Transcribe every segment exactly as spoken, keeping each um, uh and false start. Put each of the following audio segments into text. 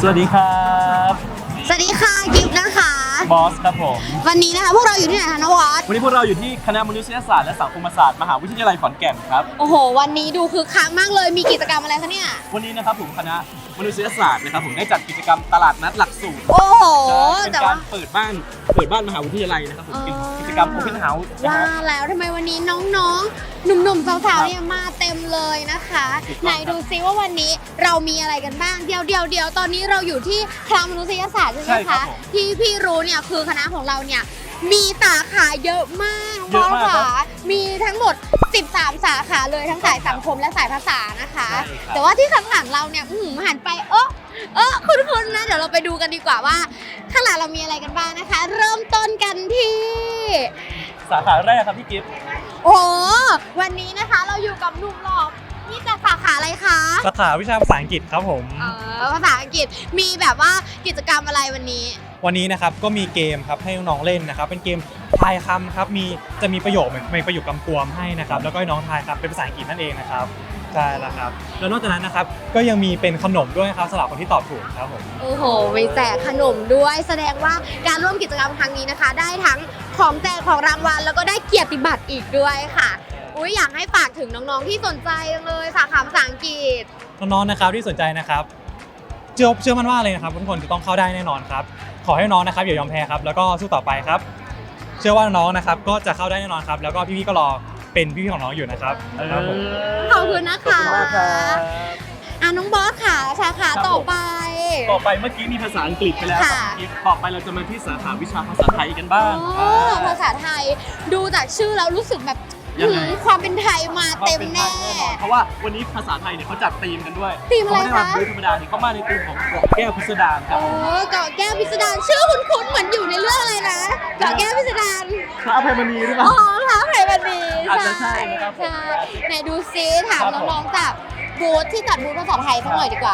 สวัสดีครับสวัสดีค่ะกิฟต์นะคะบอสครับผมวันนี้นะคะพวกเราอยู่ที่ไหนคะนวัดวันนี้พวกเราอยู่ที่คณะมนุษยศาสตร์และสังคมศาสตร์มหาวิทยาลัยขอนแก่นครับโอ้โหวันนี้ดูคึกคักมากเลยมีกิจกรรมอะไรคะเนี่ยวันนี้นะครับผมคณะมนุษยศาสตร์นะครับผมได้จัดกิจกรรมตลาดนัดหลักสูตรโอ้โหเป็นการเปิดบ้านเปิดบ้านมหาวิทยาลัยนะครับผมเป็นกิจกรรม Open House ว่าแล้วทำไมวันนี้น้องๆหนุ่มๆสาวๆเนี่ยมาเต็มเลยนะคะไหนดูซิว่าวันนี้เรามีอะไรกันบ้างเดี๋ยวเดี๋ยวเดี๋ยวตอนนี้เราอยู่ที่คณะมนุษยศาสตร์ใช่ไหมคะที่พี่รู้เนี่ยคือคณะของเราเนี่ยมีสาขาเยอะมากน้องๆค่ะมีทั้งหมดสิบสามสาขาเลยทั้งสายสังคมและสายภาษานะคะแต่ว่าที่ข้างหลังเราเนี่ยหันไปเออเออคุณๆนะเดี๋ยวเราไปดูกันดีกว่าว่าข้างหลังเรามีอะไรกันบ้างนะคะเริ่มต้นกันที่สาขาแรกครับพี่กิฟต์โอ้วันนี้นะคะเราอยู่กับหนุ่มหล่อนี่จากสาขาอะไรคะสาขาวิชาภาษาอังกฤษครับผมเออภาษาอังกฤษมีแบบว่ากิจกรรมอะไรวันนี้วันนี้นะครับก็มีเกมครับให้น้องๆเล่นนะครับเป็นเกมทายคำครับมีจะมีประโยคเหมือนมีประโยคกำกวมให้นะครับแล้วก็ให้น้องทายครับเป็นภาษาอังกฤษนั่นเองนะครับใช่แล้วครับแล้วนอกจากนั้นนะครับก็ยังมีเป็นขนมด้วยครับสำหรับคนที่ตอบถูกครับผมโอ้โหมีแจกขนมด้วยแสดงว่าการร่วมกิจกรรมครั้งนี้นะคะได้ทั้งของแจกของรางวัลแล้วก็ได้เกียรติบัตรอีกด้วยค่ะอุ้ยอยากให้ฝากถึงน้องๆที่สนใจเลยสาขาภาษาอังกฤษน้องๆนะครับที่สนใจนะครับเชื่อเชื่อมั่นว่าเลยนะครับทุกคนจะต้องเข้าได้แน่นอนครับขอให้น้องนะครับอย่ายอมแพ้ครับแล้วก็สู้ต่อไปครับเชื่อว่าน้องนะครับก็จะเข้าได้แน่นอนครับแล้วก็พี่ๆก็รอเป็นพี่ๆของน้องอยู่นะครับขอบคุณนะคะขอบคุณมากครับอ่ะน้องบอสค่ะสาขาต่อไปต่อไปเมื่อกี้มีภาษาอังกฤษไปแล้วครับกิฟต์ต่อไปเราจะมาที่สาขาวิชาภาษาไทยกันบ้างภาษาไทยดูจากชื่อแล้วรู้สึกแบบความเป็นไทยมาเต็มแน่เพราะว่าวันนี้ภาษาไทยเนี่ยเขาจัดธีมกันด้วยธีมอะไรคะเขาไม่ได้มาธรรมดาเขามาในธีมของเกาะแก้วพิสดารครับโอ้เกาะแก้วพิสดารชื่อคุ้นๆเหมือนอยู่ในเรื่องอะไรนะเกาะแก้วพิสดารพระอภัยมณีหรือเปล่าอ๋อพระอภัยมณีอาจจะใช่นะครับใช่ไหนดูซิถามน้องๆจากบูธที่จัดบูธภาษาไทยสักหน่อยดีกว่า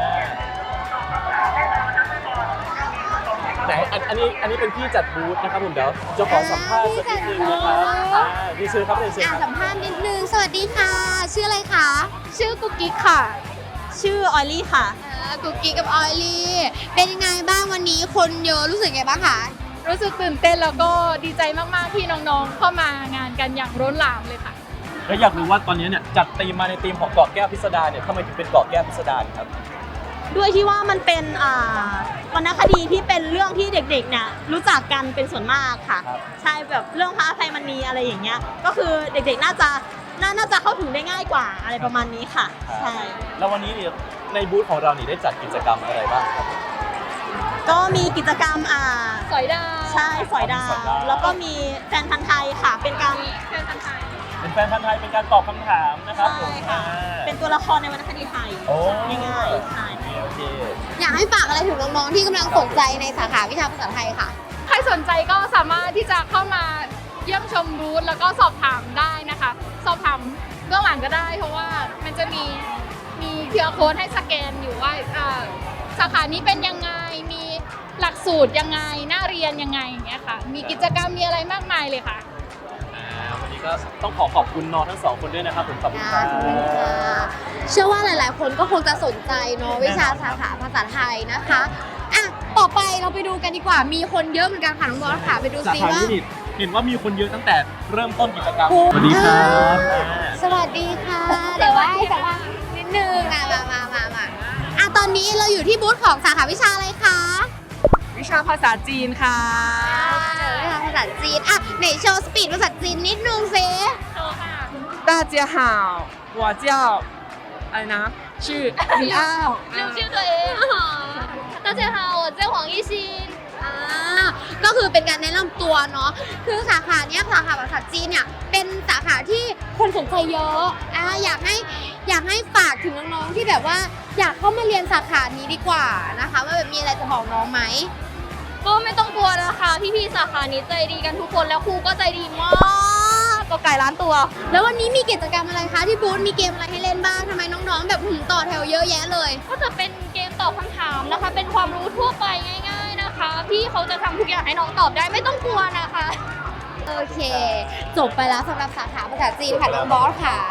ไหนอันนี้อันนี้เป็นพี่จัดบูธนะครับผมเดี๋ยวจะขอสัมภาษณ์สักนิดนึงนะครับดีเชิญครับดีเชิญครับสัมภาษณ์นิดนึงสวัสดีค่ะชื่ออะไรคะชื่อกุ๊กกิ๊กค่ะชื่อออยลี่ค่ะกุ๊กกิ๊กกับออยลี่เป็นยังไงบ้างวันนี้คนเยอะรู้สึกไงบ้างคะรู้สึกตื่นเต้นแล้วก็ดีใจมากๆที่น้องๆเข้ามางานกันอย่างล้นหลามเลยค่ะแล้วอยากรู้ว่าตอนนี้เนี่ยจัดธีมมาในธีมของเกาะแก้วพิสดารเนี่ยทำไมถึงเป็นเกาะแก้วพิสดารครับด้วยที่ว่ามันเป็นวรรณคดีที่เป็นเรื่องที่เด็กๆเนี่ยรู้จักกันเป็นส่วนมากค่ะใช่แบบเรื่องพระอภัยมณีอะไรอย่างเงี้ยก็คือเด็กๆน่าจะน่าจะเข้าถึงได้ง่ายกว่าอะไรประมาณนี้ค่ะใช่แล้ววันนี้เนี่ยในบูธของเรานี่ได้จัดกิจกรรมอะไรบ้างครับก็มีกิจกรรมอ่าสอยดาวใช่สอยดาวแล้วก็มีแฟนพันธ์ไทยค่ะเป็นการแฟนพันธ์ไทยเป็นแฟนพันธ์ไทยเป็นการตอบคำถามนะครับใช่ค่ะเป็นตัวละครในวรรณคดีไทยง่ายๆใช่โอเคอยากให้ฝากอะไรถึงน้องๆที่กำลังสนใจในสาขาวิชาภาษาไทยค่ะใครสนใจก็สามารถที่จะเข้ามาเยี่ยมชมบูธแล้วก็สอบถามได้นะคะสอบถามเบื้องหลังก็ได้เพราะว่ามันจะมีมีเคอร์โค้ดให้สแกนอยู่ว่าสาขานี้เป็นยังไงมีหลักสูตรยังไงน่าเรียนยังไงอย่างเงี้ยค่ะมีกิจกรรมมีอะไรมากมายเลยค่ะวันนี้ก็ต้องขอขอบคุณน้องทั้งสองคนด้วยนะครับผมขอบคุณครับเชื่อว่าหลายๆคนก็คงจะสนใจเนาะวิชาสาขาภาษาไทยนะคะอ่ะต่อไปเราไปดูกันดีกว่ามีคนเยอะเหมือนกันค่ะน้องบอสค่ะไปดูซิว่าเห็นว่ามีคนเยอะตั้งแต่เริ่มต้นกิจกรรมสวัสดีครับสวัสดีค่ะเดี๋ยวว่าให้สัมภาษณ์นิดนึงอ่ะมามามามาอ่ะตอนนี้เราอยู่ที่บูธของสาขาวิชาอะไรคะวิชาภาษาจีนค่ะวิชาภาษาจีนอ่ะไหนโชว์สปีดภาษาจีนนิดนึงสิโชว์ค่ะ大家好我叫อะไรนะชื่อมีอ้าวชื่อชื่อตัวเอง大家好我叫黄一欣อ่าก็คือเป็นการแนะนำตัวเนาะคือสาขาเนี้ยสาขาภาษาจีนเนี่ยเป็นสาขาที่คนสนใจเยอะอ่าอยากให้อยากให้ฝากถึงน้องๆที่แบบว่าอยากเข้ามาเรียนสาขานี้ดีกว่านะคะว่าแบบมีอะไรจะบอกน้องไหมก็ไม่ต้องกลัวนะคะพี่ๆสาขานี้ใจดีกันทุกคนแล้วครูก็ใจดีมากก็ไก่ล้านตัวแล้ววันนี้มีกิจกรรมอะไรคะที่บูธมีเกมอะไรให้เล่นบ้างทำไมน้องๆแบบหืมต่อแถวเยอะแยะเลยก็จะเป็นเกมตอบคำถามนะคะเป็นความรู้ทั่วไปง่ายๆนะคะพี่เขาจะทำทุกอย่างให้น้องตอบได้ไม่ต้องกลัวนะคะโอเคจบไปแล้วสำหรับสาขาภาษาจีนค่ะน้องบอสค่ะ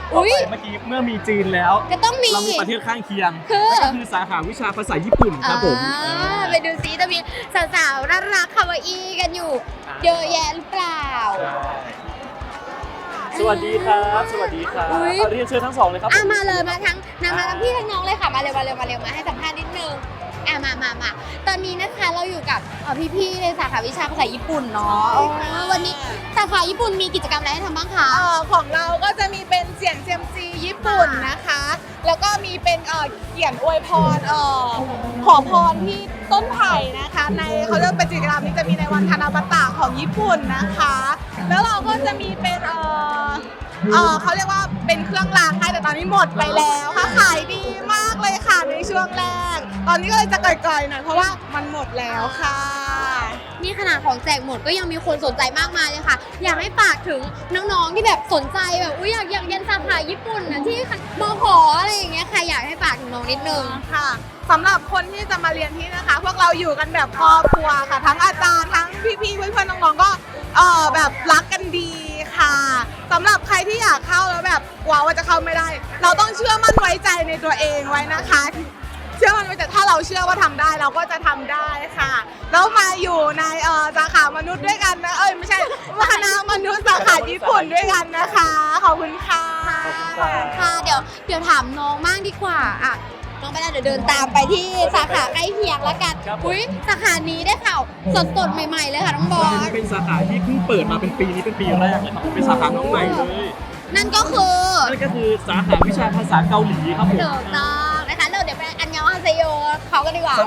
ต่ออุ๊ยไปเมื่อกี้เมื่อมีจีนแล้วก็ต้องมีเรามีประเทศข้างเคียงคือนั่นก็คือสาขาวิชาภาษาญี่ปุ่นครับผมอ่าไปดูซิจะมีสาวๆน่ารักคาวาอี้กันอยู่ เยอะแยะหรือเปล่าใช่สวัสดีครับ สวัสดีครับอุ๊ยเอาเรียนเชิญทั้งสองเลยครับอ่ะผมมาเลยมาทั้งนามาทั้งพี่ทั้งน้องเลยค่ะมาเร็วมาเร็วมาเร็วมาให้สัมภาษณ์นิดนึงอ่ะมามามาตอนนี้นะคะเราอยู่กับเอ่อพี่ๆในสาขาวิชาภาษาญี่ปุ่นเนาะอ๋อวันนี้สาขาญี่ปุ่นมีกิจกรรมอะไรให้ทำบ้างคะเอ่อของเราก็จะมีเป็นเสียงเซียมซีญี่ปุ่นนะคะ แล้วก็มีเป็นเอ่อเขียนอวยพรเอ่อขอพรที่ต้นไผ่นะคะ ในเขาเรียกเป็นกิจกรรมนี้จะมีในวันธนาบัตะของญี่ปุ่นนะคะ แล้วเราก็จะมีเป็นเอ่อเอ่อเขาเรียกว่าเป็นเครื่องรางให้แต่ตอนนี้หมดไปแล้วค่ะขายดีมากเลยค่ะในช่วงแรก ตอนนี้ก็เลยจะก่อยๆหน่อยเพราะว่ามันหมดแล้วค่ะนี่ขนาดของแจกหมดก็ยังมีคนสนใจมากมายเลยค่ะ อยากให้ฝากถึงน้องๆที่แบบสนใจแบบอุ้ยอยากอยากเรียนสาขาญี่ปุ่นนะที่มขออะไรอย่างเงี้ยค่ะอยากให้ฝากถึงน้องนิดนึงค่ะสำหรับคนที่จะมาเรียนที่นะคะ พวกเราอยู่กันแบบครอบครัวค่ะ ทั้งอาจารย์ทั้งพี่ๆเพื่อนๆน้องๆก็เออแบบรักกันดีค่ะสำหรับใครที่อยากเข้าแล้วแบบกลัวว่าจะเข้าไม่ได้ เราต้องเชื่อมั่นไว้ใจในตัวเองไว้นะคะ เชื่อมั่นไว้แต่ถ้าเราเชื่อว่าทำได้เราก็จะทำได้ค่ะแล้วมาอยู่ในเออสาขามนุษย์ด้วยกันนะเอ้ยไม่ใช่คณะมนุษย์สาขาญี่ปุ่นด้วยกันนะคะขอบคุณค่ะค่ะเดี๋ยวเดี๋ยวถามน้องมากดีกว่าอ่ะน้องไปได้เดี๋ยวเดินตามไปที่สาขาใกล้เคียงแล้วกันครับผมอุ้ยสาขานี้ได้ข่าวสดๆใหม่ๆเลยค่ะน้องบอสเป็นสาขาที่เพิ่งเปิดมาเป็นปีนี้เป็นปีแรกเลยครับเป็นสาขาน้องใหม่เลยนั่นก็คือนั่นก็คือสาขาวิชาภาษาเกาหลีครับผมเดิมต้องนะคะเราเดี๋ยวไปอันยองฮาเซโยเขากันดีกว่า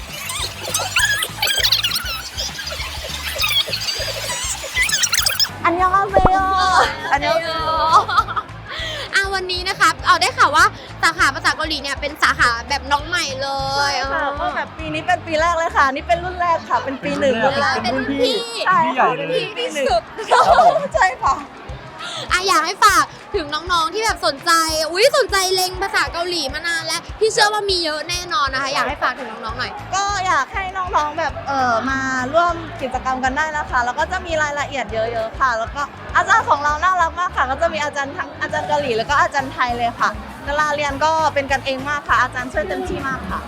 อันยองอาเซโยอันยองอ่ะวันนี้นะคะเอาได้ข่าวว่าสาขาภาษาเกาหลีเนี่ยเป็นสาขาแบบน้องใหม่เลยใช่ค่ะก็แบบปีนี้เป็นปีแรกเลยค่ะ นี่เป็นรุ่นแรกค่ะ เป็นปีหนึ่งรุ่นแรกเป็นรุ่นพี่ใช่พี่ใหญ่ค่ะเลยที่ที่สุดใช่ค่ะอ่ะอยากให้ฝากถึงน้องๆที่แบบสนใจ อุ้ยสนใจเล็งภาษาเกาหลีมานานแล้วพี่เชื่อว่ามีเยอะแน่นอนนะคะ อยากให้ฝากถึงน้องๆหน่อยก็อยากให้น้องๆแบบเออมาร่วมกิจกรรมกันได้นะคะ แล้วก็จะมีรายละเอียดเยอะๆค่ะ แล้วก็อาจารย์ของเราน่ารักมากค่ะ ก็จะมีอาจารย์ทั้งอาจารย์เกาหลีแล้วก็อาจารย์ไทยเลยค่ะเวลาเรียนก็เป็นกันเองมากค่ะ อาจารย์ช่วยเต็มที่มากค่ะ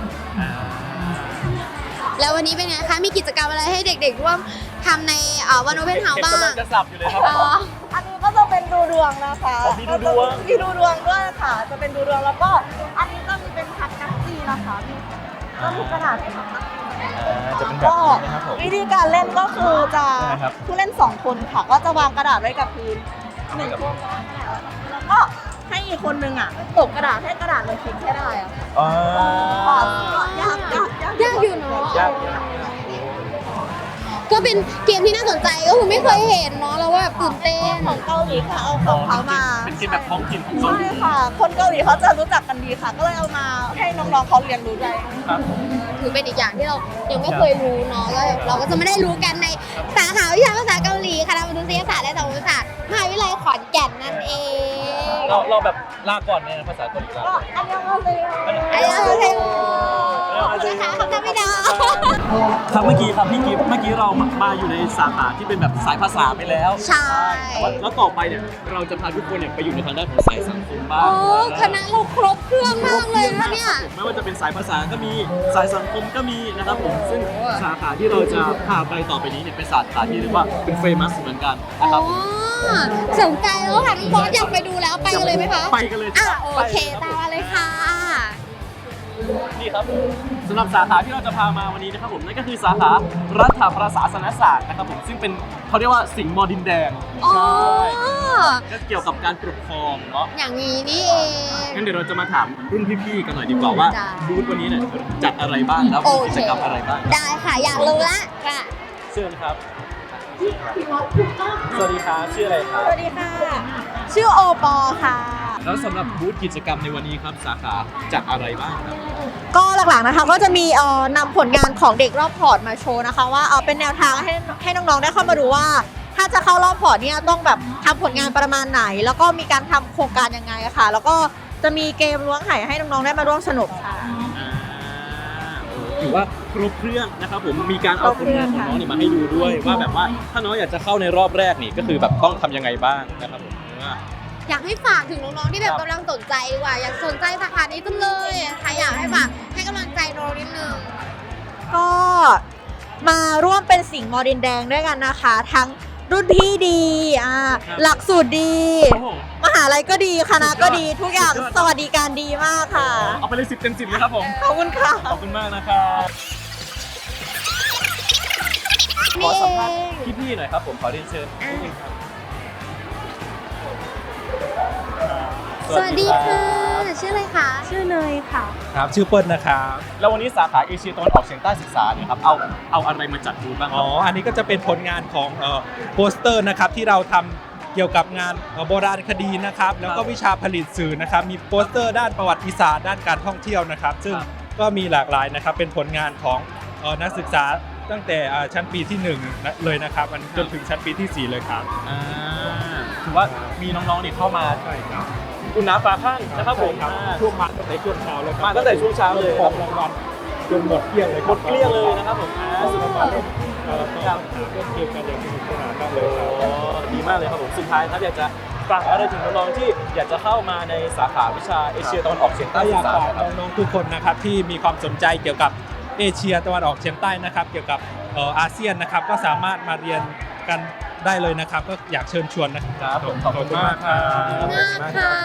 แล้ววันนี้เป็นไงคะ มีกิจกรรมอะไรให้เด็กๆร่วมทำในเอ่อวันโอเพนเฮาส์บ้างกำลังจะสับอยู่เลยครับอ๋ออันนี้ก็จะเป็นดูดวงนะคะอ๋อมีดูดวงมีดูดวงด้วยค่ะ จะเป็นดูดวงแล้วก็อันนี้ก็มีเป็นพัดนักซีนะคะมีก็มีกระดาษให้ทำนักซีจะเป็นแบบก็นี้นะครับผมวิธีการเล่นก็คือจะได้ครับผู้เล่นสองคนค่ะ ก็จะวางกระดาษไว้กับพื้นหนึ่งคนแล้วก็ให้อีกคนนึงอ่ะตบกระดาษให้กระดาษมันพลิกให้ได้อะค่ะอ๋อยากยากยากยากอยู่เนาะยากยากก็เป็นเกมที่น่าสนใจก็คือไม่เคยเห็นเนาะแล้วว่าแบบตื่นเต้นของเกาหลีค่ะเอาของเขามาเป็นเกมแบบท้องถิ่นของเขาใช่ค่ะ คนเกาหลีเขาจะรู้จักกันดีค่ะ ก็เลยเอามาให้น้องๆเขาเรียนรู้ด้วยครับถือเป็นอีกอย่างที่เรายังไม่เคยรู้เนาะแล้วเราก็จะไม่ได้รู้กันในสาขาวิชาภาษาเกาหลีคณะมนุษยศาสตร์และสังคมศาสตร์มหาวิทยาลัยขอนแก่นนั่นเองเราเราแบบลาก่อนเนี่ยภาษาเกาหลีลาก็อันยองอาเซโยอันยองฮาเซโยขอบคุณนะคะขอบคุณพี่ดาวครับเมื่อกี้ครับพี่กิฟต์เมื่อกี้เรามาอยู่ในสาขาที่เป็นแบบสายภาษาไปแล้วใช่แต่ว่าแล้วต่อไปเนี่ยเราจะพาทุกคนเนี่ยไปอยู่ในทางด้านของสายสังคมบ้างโอ้คณะเราครบเครื่องมากเลยนะเนี่ยไม่ว่าจะเป็นสายภาษาก็มีสายสังคมก็มีนะครับผมซึ่งสาขาที่เราจะพาไปต่อไปนี้เนี่ยเป็นสาขาที่เรียกว่าเป็นเฟมัสเหมือนกันนะครับอ๋อสนใจแล้วค่ะน้องบอสอยากไปดูแล้วไปกันเลยไหมคะไปกันเลยอ่ะรับโอเคไปตามมาเลยค่ะนี่ครับสำหรับสาขาที่เราจะพามาวันนี้นะครับผมนั่นก็คือสาขารัฐประศาสนศาสตร์นะครับผมซึ่งเป็นเขาเรียกว่าสิงห์มอดินแดงอ๋อก็เกี่ยวกับการปกครองเนาะอย่างนี้นี่เองงั้นเดี๋ยวเราจะมาถามรุ่นพี่ๆกันหน่อยดีกว่าว่าจ้ะบูธวันนี้เนี่ยจัดอะไรบ้างแล้วโอมีเคกิจกรรมอะไรบ้างได้ค่ะ อยากรู้ละค่ะเชิญครับสวัสดีครับชื่ออะไรครับสวัสดีค่ะ ชื่อโอปอค่ะแล้วสำหรับบูธกิจกรรมในวันนี้ครับสาขาจัดอะไรบ้างครับก็หลักๆนะคะก็จะมีเอ่อนำผลงานของเด็กรอบพอร์ตมาโชว์นะคะ ว่าเออเป็นแนวทางให้ให้น้องๆได้เข้ามาดูว่า ถ้าจะเข้ารอบพอร์ตเนี่ยต้องแบบทำผลงานประมาณไหน แล้วก็มีการทำโครงการยังไงอะค่ะ แล้วก็จะมีเกมล้วงไห่ให้น้องๆได้มาร่วมสนุกค่ะอ่าถือว่าครบเครื่องนะครับผมมีการเอาผลงานของน้องเนี่ยมาให้ดูด้วยว่าแบบว่าถ้าน้องอยากจะเข้าในรอบแรกนี่ก็คือแบบต้องทำยังไงบ้างนะครับผมว่าอยากให้ฝากถึงน้องๆที่แบบกำลังสนใจดีกว่าอยากสนใจสาขานี้จังเลยใครอยากให้ฝากให้กำลังใจน้องนิดนึงก็มาร่วมเป็นสิงห์มอดินแดงด้วยกันนะคะ ทั้งรุ่นพี่ดีอ่าหลักสูตรดีโอ้โหมหาลัยก็ดีคณะก็ดีทุกอย่างสวัสดิการดีมากค่ะเอาไปเลยสิบเต็มสิบเลยครับผมขอบคุณค่ะขอบคุณมากนะครับขอสัมภาษณ์พี่ๆหน่อยครับผมขอเรียนเชิญนิดนึงครับสวัสดีค่ะชื่ออะไรคะชื่อเนยค่ะครับชื่อเปิ้ลนะครับแล้ววันนี้สาขาเอเชียตะวันออกเฉียงใต้ศึกษาเนี่ยครับเอาเอาอะไรมาจัดบูธบ้างคอ๋รัอบ อันนี้ก็จะเป็นผลงานของเอ่อโปสเตอร์นะครับที่เราทำเกี่ยวกับงานเอ่อโบราณคดีนะครับแล้วก็วิชาผลิตสื่อนะครับมีโปสเตอร์ด้านประวัติศาสตร์ด้านการท่องเที่ยวนะครับซึ่งก็มีหลากหลายนะครับเป็นผลงานของเอ่อนักศึกษาตั้งแต่อ่าชั้นปีที่หนึ่งนะเลยนะครับมันจนถึงชั้นปีที่สี่เลยครับอ่าถือว่ามีน้องๆนี่เข้ามาอุ่นหนาฝาข้างนะครับผมครับอ่าช่วงมาตั้งแต่ช่วงเช้าเลยครับมาตั้งแต่ช่วงเช้าเลยของรางวัลจนหมดเกลี้ยงเลยหมดเกลี้ยงเลยนะครับผมอ่าสุดยอดเอ่อก็เล่นเกมกันอย่างสนุกสนานมากเลยครับอ๋อดีมากเลยครับผมสุดท้ายครับอยากจะฝากอะไรถึงน้องๆที่อยากจะเข้ามาในสาขาวิชาเอเชียตะวันออกเฉียงใต้ก็อศึยากกษาฝากครับน้องๆทุกคนนะครับที่มีความสนใจเกี่ยวกับเอเชียตะวันออกเฉียงใต้นะครับ เกี่ยวกับเอ่ออาเซียนนะครับก็สามารถมาเรียนกันได้เลยนะครับ ก็อยากเชิญชวนนะครับครับผมขอบคุณมากครับมากค่ะ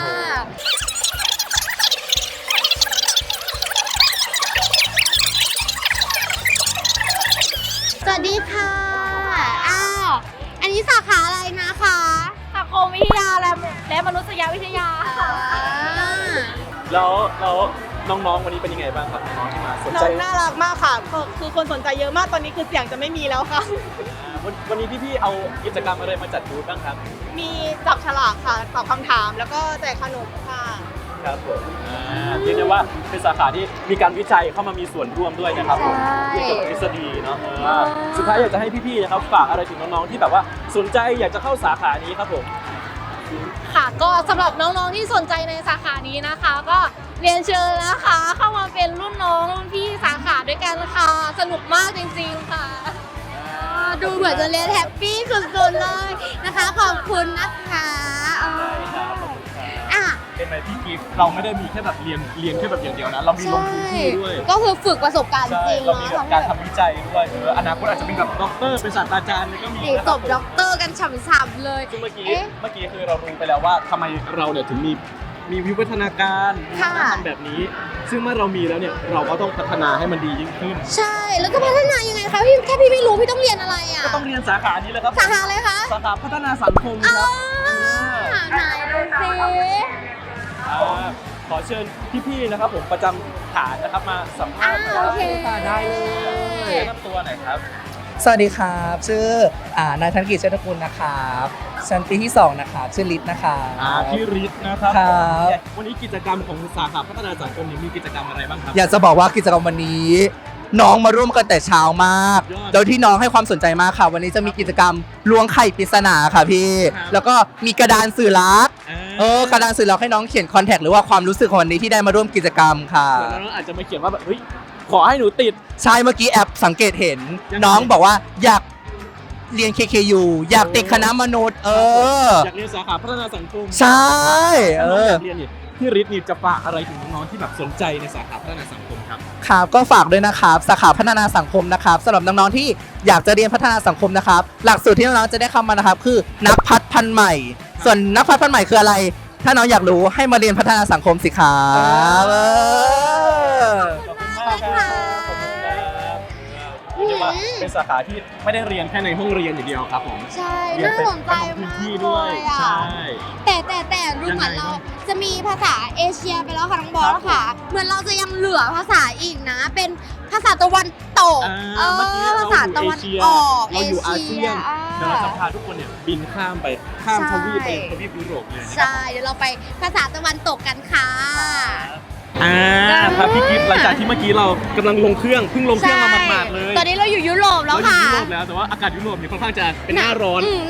สวัสดีค่ะ อ้าว อันนี้สาขาอะไรนะคะสังคมวิทยาและและมนุษยวิทยาค่ะแล้วแล้วน้องๆวันนี้เป็นยังไงบ้างครับน้องๆที่มาสนน้ใจองน่ารักมากค่ะคือคือคนสนใจเยอะมากตอนนี้คือเสียงจะไม่มีแล้วค่ะอ่าวันวันนี้พี่ๆเอากิจกรรมอะไรมาจัดบูธบ้างครับมีจับฉลากค่ะตอบคำถามแล้วก็แจกขนมค่ะครับผมอ่าเรียกได้ว่าเป็นสาขาที่มีการวิจัยเข้ามามีส่วนร่วมด้วยนะครับผมใช่เกี่ยวกับทฤษฎีเนาะเออสุดท้ายอยากจะให้พี่ๆนะครับฝากอะไรถึงน้องๆที่แบบว่าสนใจอยากจะเข้าสาขานี้ครับผมค่ะก็สำหรับน้องๆที่สนใจในสาขานี้นะคะ ก็เรียนเชิญนะคะ เข้ามาเป็นรุ่นน้องรุ่นพี่สาขาด้วยกันค่ะสนุกมากจริงๆค่ะดูเหมือนจะเรียนแฮปปี้สุดๆเลยนะคะ ขอบคุณนะคะเอออ่ะเป็นไหมพี่กิฟต์เราไม่ได้มีแค่แบบเรียนเรียนแค่แบบอย่างเดียวนะ เรามีลงพื้นที่ด้วยก็คือฝึกประสบการณ์ใช่จริงเรามีเนาะแบบการทำวิจัยด้วยเอออนาคตอาจจะเป็นแบบด็อกเตอร์เป็นศาสตราจารย์ก็มีเด็กนะคจรับบ ผมด็อกเตอร์กันฉ่ำๆเลยซึ่งเมื่อกี้เอ๊ะเมื่อกี้คือเรารู้ไปแล้วว่าทำไมเราเนี่ยถึงมีมีวิวัฒนาการมีค่ะวัฒนธรรมแบบนี้ ซึ่งเมื่อเรามีแล้วเนี่ยเราก็ต้องพัฒนาให้มันดียิ่งขึ้นใช่ แล้วก็พัฒนายังไงคะพี่แค่พี่ไม่รู้พี่ต้องเรียนอะไรอ่ะก็ต้องเรียนสาขานี้เลยครับสาขาอะไรคะสาขาพัฒนาสังคมครับอ่าไหนดูสิอ่าขอเชิญพี่ๆนะครับผมประจำฐานนะครับมาสัมภาอ่าษณ์โอเคได้เลยแนะนำตัวหน่อยครับสวัสดีครับ ชื่ออ่านายธนกิจเชษฐกุลนะครับชั้นปีที่สองนะครับชื่อลิศนะครับอ่าพี่ฤทธิ์นะครับครับวันนี้กิจกรรมของสาขาพัฒนาสังคมเนี่ยมีกิจกรรมอะไรบ้างครับอยากจะบอกว่ากิจกรรมวันนี้ น้องมาร่วมกันแต่เช้ามากยอดโดยที่น้องให้ความสนใจมากค่ะ วันนี้จะมีกิจกรรมล้วงไข่ปริศนาค่ะพี่ครับแล้วก็มีกระดานสื่อรักอ่าเออกระดานสื่อรักให้น้องเขียนคอนแทคหรือว่าความรู้สึกของวันนี้ที่ได้มาร่วมกิจกรรมค่ะเดี๋ยวน้องอาจจะมาเขียนว่าแบบเฮ้ยขอให้หนูติดใช่เมื่อกี้แอปสังเกตเห็นยังไงน้องบอกว่าอยากเรียน เค เค ยู อยากติดคณะมนุษย์ เอออยากเรียนสาขาพัฒนาสังคมใช่ เอน้องออยากเรียนเนี่ยพี่ฤทธิ์นี่จะฝากอะไรถึงน้องๆที่แบบสนใจในสาขาพัฒนาสังคมครับครับก็ฝากด้วยนะครับสาขาพัฒนาสังคมนะครับสำหรับน้องๆที่อยากจะเรียนพัฒนาสังคมนะครับ หลักสูตรที่น้องๆจะได้เข้ามานะครับ คือนักพัฒน์พันธุ์ใหม่ ส่วนนักพัฒน์พันธุ์ใหม่คืออะไร ถ้าน้องอยากรู้ให้มาเรียนพัฒนาสังคมสิครับเออขอบคุณมากครับขอบคุณครับเรียกได้ว่าเป็นสาขาที่ไม่ได้เรียนแค่ในห้องเรียนอย่างเดียวครับผมใช่เรียนน่าเป็นสนใจพื้นมากที่เลด้วยยอ่ะใช่แต่แต่แต่ดูยังเหไงมือนเราบ้างจะมีภาษาเอเชียไปแล้วค่ะน้องบอสค่ะ เหมือนเราจะยังเหลือภาษาอีกนะ เป็นภาษาตะวันตกอ่าเอเมื่อกี้อเราภาษาตะวันอยู่เอเชียออกเราอยู่อาเซียนอ่าเดี๋ยวเราจะพาทุกคนเนี่ยบินข้ามไปข้ามใช่ทวีปไปทวีปยุโรปเลยนะครับใช่ เดี๋ยวเราไปภาษาตะวันตกกันค่ะอ่าครับพี่กิฟต์หลังจากที่เมื่อกี้เรากำลังลงเครื่องเพิ่งลงเครื่องมาหมาดๆเลยตอนนี้เราอยู่ยุโรปแล้วเราอยู่ค่ะยุโรปแล้วแต่ว่าอากาศยุโรปเนี่ยค่อนข้างจะเป็นหน้าร้อนมหน้าร้อน โอ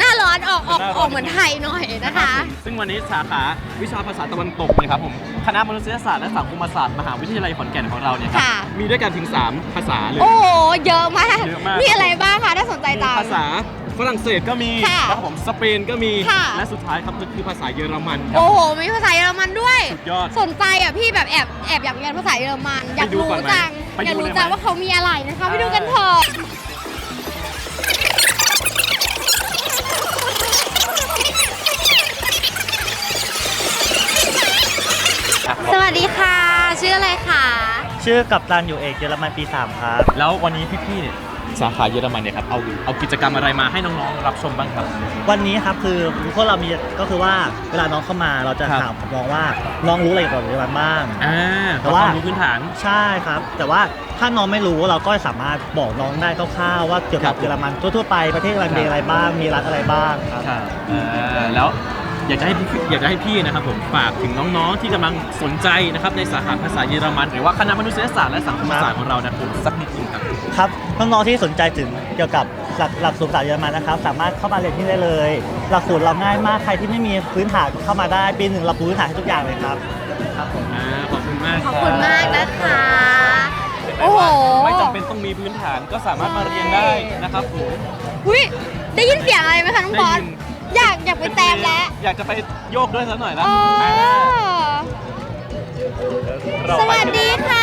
ออกออกออกเหมือนไทยหน่อยนะคะซึ่งวันนี้สาขาวิชาภาษาตะวันตกนะครับผมคณะมนุษยศาสตร์และสังคมศาสตร์มหาวิทยาลัยขอนแก่นของเราเนี่ยครับค่ะมีด้วยกันถึงสามภาษาเลยโอ้โหเยอะมากเยอะมากมีอะไรบ้างคะถ้าสนใจตามภาษาฝรั่งเศสก็มีค่ะนะครับผมสเปนก็มีค่ะและสุดท้ายครับก็คือภาษาเยอรมันครับโอ้โหมีภาษาเยอรมันด้วยสุดยอดสนใจอ่ะพี่แบบแอบแอบอยากเรียนภาษาเยอรมันอยากไปดูรู้ก่อนไหมจังไปดูอยากรู้เลยไหมจังว่าเขามีอะไรนะคะไปดูกันเถอะ สวัสดีค่ะ ชื่ออะไรคะชื่อกัปตันอยู่เอกเยอรมันปีสามครับแล้ววันนี้พี่ๆเนี่ยสาขาเยอรมันเนี่ยครับเอาเอากิจกรรมอะไรมาให้น้องๆรับชมบ้างครับวันนี้ครับคือพวกเรามีก็คือว่าเวลาน้องเข้ามาเราจะครับถามน้องว่าน้องรู้อะไรเกี่ยวกับเยอรมันบ้างอ่าแต่ว่าความรู้พื้นฐานใช่ครับ แต่ว่าถ้าน้องไม่รู้เราก็สามารถบอกน้องได้คร่าวๆว่าเกี่ยวกับครับเยอรมันทั่วๆไปประเทศเยอรมันมีอะไรบ้างมีรัฐอะไรบ้างครับครับอ่าแล้วอยากจะให้พี่อยากจะให้พี่นะครับผมฝากถึงน้องๆที่กำลังสนใจนะครับในสาขาภาษาเยอรมันหรือว่าคณะมนุษยศาสตร์และสังคมศาสตร์ของเรานะผมสักนิดนึงครับครับน้องๆที่สนใจถึงเกี่ยวกับหลักหลักสูตรภาษาเยอรมันนะครับ สามารถเข้ามาเรียนที่ได้เลย หลักสูตรเราง่ายมากใครที่ไม่มีพื้นฐานเข้ามาได้ปีหนึ่งเราปูพื้นฐานให้ทุกอย่างเลยครับครับผมอ่าขอบคุณมากขอบคุณมากนะคะ โอ้โหไม่จำเป็นต้องมีพื้นฐานก็สามารถมาเรียนได้นะครับผมอุ้ยได้ยินเสียงอะไรไหมคะน้องบอสได้ยินอยากอยากไปแตมแล้วอยากจะไปโยกด้วยสักหน่อยนะเออเราสไปวัสดีค่ะ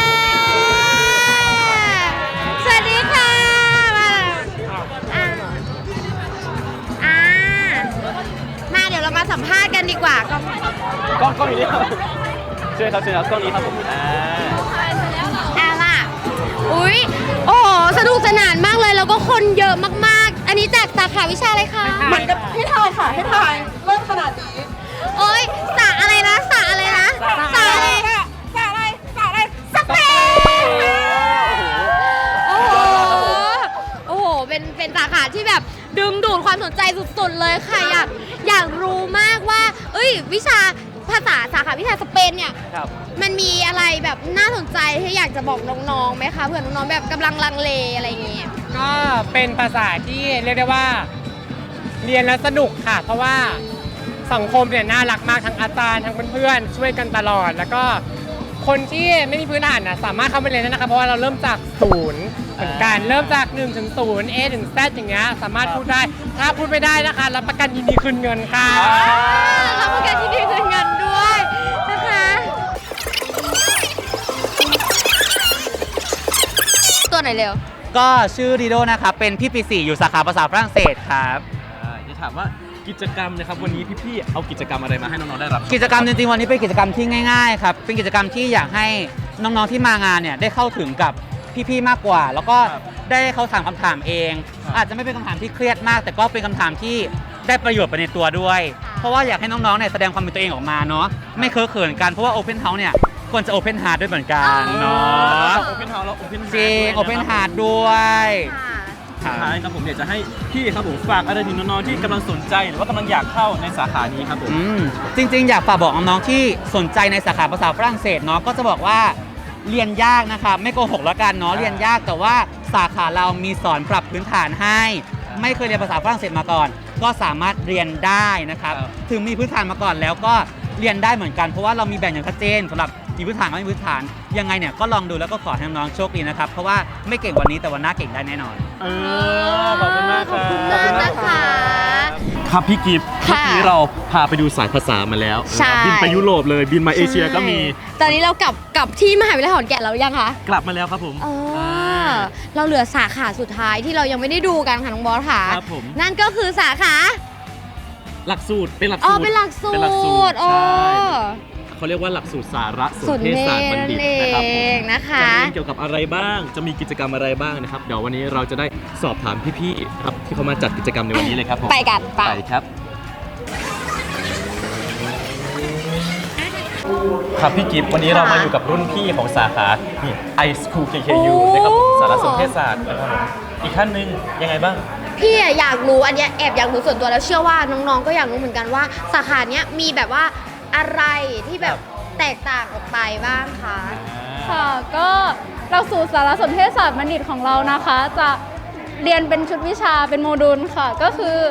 สวัสดีค่ะ มาอ่ะอ่ามาเดี๋ยวเรามาสัมภาษณ์กันดีกว่าก็กล้องกล้องอยู่นี่ครับเชิญครับเชิญครับกล้องนี้ครับผมอ่าเอาล่ะอุ้ยโอ้โหสนุกสนานมากเลยแล้วก็คนเยอะมากๆ อันนี้จากสาขาวิชาอะไรคะเหมือนกับให้ทายค่ะให้ทายเริ่มขนาดนี้โอ้ยสาอะไรนะสาอะไรนะสาอะไรสาอะไรสาอะไรสเปนโอ้โห โอ้โห เป็นเป็นสาขาที่แบบดึงดูดความสนใจสุดๆเลยค่ะอยากอยากรู้มากว่า เอ้ย วิชาภาษาสาขาวิชาสเปนเนี่ยครับมันมีอะไรแบบน่าสนใจที่อยากจะบอกน้องๆไหมคะเผื่อน้องๆแบบกำลังลังเลอะไรอย่างเงี้ยก็เป็นภาษาที่เรียกได้ว่าเรียนแล้วสนุกค่ะ เพราะว่าสังคมเนี่ยน่ารักมากทั้งอาจารย์ทั้งเพื่อนๆช่วยกันตลอด แล้วก็คนที่ไม่มีพื้นฐานนะสามารถเข้ามาเรียนได้นะคะเพราะว่าเราเริ่มจากศูนย์เหมือนกันเริ่มจากหนึ่งถึงศูนย์ A ถึง Z อย่างเงี้ยสามารถพูดได้ถ้าพูดไม่ได้นะคะรับประกันยินดีคืนเงินค่ะรับประกันที่ดีคืนเงินด้วยนะคะ ตัวไหนเร็วก็ชื่อดีโดนะครับ เป็นพี่ปีสี่อยู่สาขาภาษาฝรั่งเศสครับอ่าจะถามว่ากิจกรรมนะครับวันนี้พี่ๆเอากิจกรรมอะไรมาให้น้องๆได้รับชกิจกรรมจริงๆวันนี้เป็นกิจกรรมที่ง่ายๆครับ เป็นกิจกรรมที่อยากให้น้องๆที่มางานเนี่ยได้เข้าถึงกับพี่ๆมากกว่า แล้วก็ได้เขาถามคำถามเอง อาจจะไม่เป็นคำถามที่เครียดมาก แต่ก็เป็นคำถามที่ได้ประโยชน์ไปในตัวด้วย เพราะว่าอยากให้น้องๆเนี่ยแสดงความเป็นตัวเองออกมาเนาะไม่เคอะเขินกันเพราะว่า Open House เนี่ยควรจะ Open Heart ด้วยเหมือนกันเนาะโอเพนเฮาส์แล้วโอเพนจริง Open Heart ด้วยสุดท้ายครับผมอยากจะให้พี่ครับผมฝากอะไรถึงน้องๆที่กำลังสนใจหรือว่ากำลังอยากเข้าในสาขานี้ครับผมอืมจริงๆ อยากฝากบอกน้องๆที่สนใจในสาขาภาษาฝรั่งเศสเนาะก็จะบอกว่าเรียนยากนะครับไม่โกหกแล้วกันเนาะเรียนยากแต่ว่าสาขาเรามีสอนปรับพื้นฐานให้ ไม่เคยเรียนภาษาฝรั่งเศสมาก่อน ก็สามารถเรียนได้นะครับครับถึงมีพื้นฐานมาก่อนแล้วก็เรียนได้เหมือนกันเพราะว่าเรามีแบ่งอย่างชัดเจนสำหรับมีพื้นฐานกับไม่มีพื้นฐานยังไงเนี่ยก็ลองดูแล้วก็ขอให้น้องๆโชคดีนะครับเพราะว่าไม่เก่งวันนี้แต่วันหน้าเก่งได้แน่นอนเออขอบคุณมากครับขอบคุณมากนะคะครับพี่กิฟต์ค่ะเมื่อกี้เราพาไปดูสายภาษามาแล้วใช่บินไปยุโรปเลยบินมาเอเชียก็มีตอนนี้เรากลับกลับที่มหาวิทยาลัยขอนแก่นแล้วหรือยังคะกลับมาแล้วครับผมเออเราเหลือสาขาสุดท้ายที่เรายังไม่ได้ดูกันค่ะน้องบอสค่ะครับผมนั่นก็คือสาขาหลักสูตรเป็นหลักอ๋สูอตรเป็นหลักสูเป็นหลักสูตตรรอ๋อใช่เขาเรียกว่าหลักสูตรสารสสุนดเทศเนศาสตร์บัณนั่นฑิตเอนะครับผมงนะคะจะเรียนเกี่ยวกับอะไรบ้าง จะมีกิจกรรมอะไรบ้างนะครับ เดี๋ยววันนี้เราจะได้สอบถามพี่ๆครับที่เขามาจัดกิจกรรมในวันนี้เลยครับผมไปกันไปไปครับ ครับพี่กิฟต์วันนี้เรามาอยู่กับรุ่นพี่ของสาขานี่ ไอ School เค เค ยู นะครับผมสารสนเทศศาสตร์นะครับผมอีกขั้นหนึ่งยังไงบ้างพี่อะอยากรู้อันเนี้ยแอบอยากรู้ส่วนตัวแล้วเชื่อว่าน้องๆก็อยากรู้เหมือนกันว่าสาขาเนี้ยมีแบบว่าอะไรที่แบบแตกต่างออกไปบ้างคะค่ะก็หลักสูตรสารสนเทศศาสตร์บัณฑิตของเรานะคะ จะเรียนเป็นชุดวิชาเป็นโมดูลค่ะ ก็คือ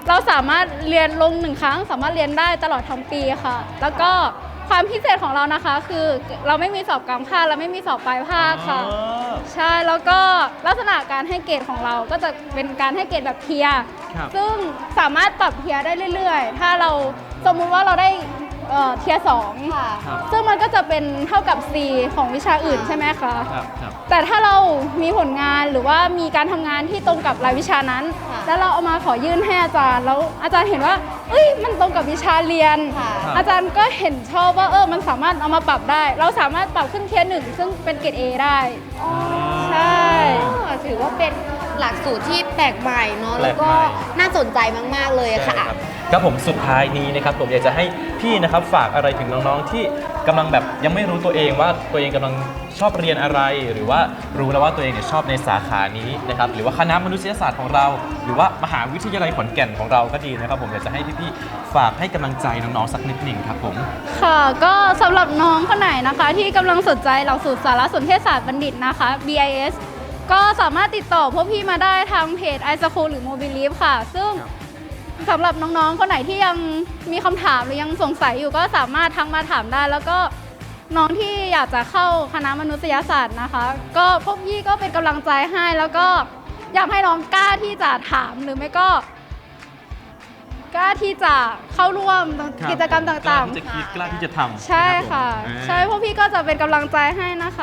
เราสามารถเรียนลงหนึ่งครั้งสามารถเรียนได้ตลอดทั้งปีค่ะ แล้วก็ความพิเศษของเรานะคะคือเราไม่มีสอบกลางภาคเราไม่มีสอบปลายภาคค่ะ ใช่แล้วก็ลักษณะการให้เกรดของเราก็จะเป็นการให้เกรดแบบเทียร์ครับซึ่งสามารถปรับเทียร์ได้เรื่อยๆ ถ้าเราสมมุติว่าเราได้เอ่อเทียร์สองค่ะครับซึ่งมันก็จะเป็นเท่ากับ C ของวิชาอื่นใช่ไหมคะครับครับแต่ถ้าเรามีผลงานหรือว่ามีการทำงานที่ตรงกับรายวิชานั้นค่ะแล้วเราเอามาขอยื่นให้อาจารย์แล้วอาจารย์เห็นว่าเอ้ยมันตรงกับวิชาเรียนค่ะอาจารย์ก็เห็นชอบว่าเออมันสามารถเอามาปรับได้ เราสามารถปรับขึ้นเทียร์หนึ่งซึ่งเป็นเกรด A ได้ ใช่ถือว่าเป็นหลักสูตรที่แปลกใหม่เนาะแปลแล้วกใหม่ก็น่าสนใจมากๆเลยใช่ค่ะครับครับผมสุดท้ายนี้นะครับผมอยากจะให้พี่นะครับฝากอะไรถึงน้องๆที่กำลังแบบยังไม่รู้ตัวเองว่าตัวเองกำลังชอบเรียนอะไร หรือว่ารู้แล้วว่าตัวเองเนี่ยชอบในสาขานี้นะครับหรือว่าคณะมนุษยศาสตร์ของเรา หรือว่ามหาวิทยาลัยขอนแก่นของเราก็ดีนะครับผมอยากจะให้พี่ๆฝากให้กำลังใจน้องๆสักนิดหนึ่งครับผมค่ะก็สำหรับน้องคนไหนนะคะที่กำลังสนใจหลักสูตรสารสนเทศศาสตร์บัณฑิตนะคะ บี ไอ เอส ก็สามารถติดต่อพวกพี่มาได้ทางเพจ iSchool หรือ Mobilive ค่ะ ซึ่งสำหรับน้องๆคนไหนที่ยังมีคำถามหรือยังสงสัยอยู่ก็สามารถทักมาถามได้ แล้วก็น้องที่อยากจะเข้าคณะมนุษยศาสตร์นะคะ ก็พวกพี่ก็เป็นกำลังใจให้แล้วก็อยากให้น้องกล้าที่จะถามหรือไม่ก็กล้าที่จะเข้าร่วมกิจกรรมต่างๆกล้าที่จะคิดกล้าที่จะทำใช่ค่ะนรับผมใช่พวกพี่ก็จะเป็นกำลังใจให้นะคะ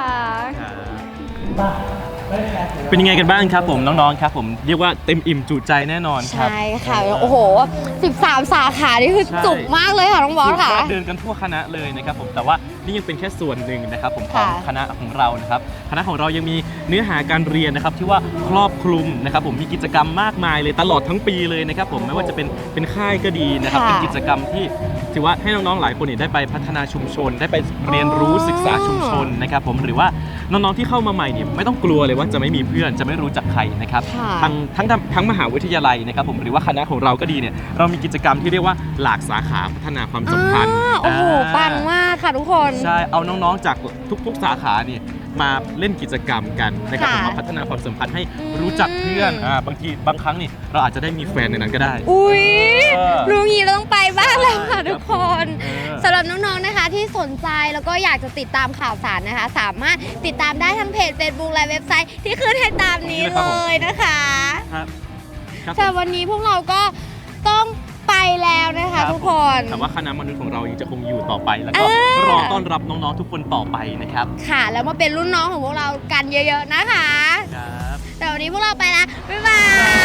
เป็นยังไงกันบ้างครับผมน้องๆครับผมเรียกว่าเต็มอิ่มจุใจแน่นอนครับใช่ค่ะ โอ้โห สิบสาม สาขานี่คือใช่จุกมากเลยค่ะน้องบอสค่ะเดินกันทั่วคณะเลยนะครับผมแต่ว่านี่ยังเป็นแค่ส่วนหนึ่งนะครับผมของค่ะคณะของเรานะครับคณะของเรายังมีเนื้อหาการเรียนนะครับที่ว่าครอบคลุมนะครับผมมีกิจกรรมมากมายเลยตลอดทั้งปีเลยนะครับผมไม่ว่าจะเป็นเป็นค่ายก็ดีนะครับค่ะเป็นกิจกรรมที่ถือว่าให้น้องๆหลายคนเนี่ยได้ไปพัฒนาชุมชน ได้ไปเรียนรู้ศึกษาชุมชนนะครับผมหรือว่าน้องๆที่เข้ามาใหม่เนี่ยไม่ต้องกลัวเลยว่าจะไม่มีเพื่อนจะไม่รู้จักใครนะครับค่ะทั้งทั้งทั้งมหาวิทยาลัยนะครับผมหรือว่าคณะของเราก็ดีเนี่ยเรามีกิจกรรมที่เรียกว่าหลากสาขาพัฒนาความสัมพันธ์อ่าโอ้โห ปังมากค่ะทุกคนใช่เอาน้องๆจากทุกๆสาขาเนี่ยมาเล่นกิจกรรมกันนะครับผมค่ะมาพัฒนาความสัมพันธ์ให้รู้จักเพื่อนอ่าบางทีบางครั้งนี่เราอาจจะได้มีแฟนในนั้นก็ได้อุ้ยเออรู้งี้เราต้องไปบ้างแล้วค่ะทุกคนเออสำหรับน้องๆนะคะที่สนใจแล้วก็อยากจะติดตามข่าวสารนะคะ สามารถติดตามได้ทั้งเพจ Facebook และเว็บไซต์ที่ขึ้นให้ตามนี้เลยนะคะครับครับแต่วันนี้พวกเราก็ต้องไปแล้วนะคะรับทุกคนแต่ว่าคณะมนุษย์ของเรายังจะคงอยู่ต่อไปแล้วก็อ่ารรอต้อนรับน้องๆทุกคนต่อไปนะครับค่ะ แล้วมาเป็นรุ่นน้องของพวกเรากันเยอะๆนะคะครับแต่วันนี้พวกเราไปแล้วบ๊ายบาย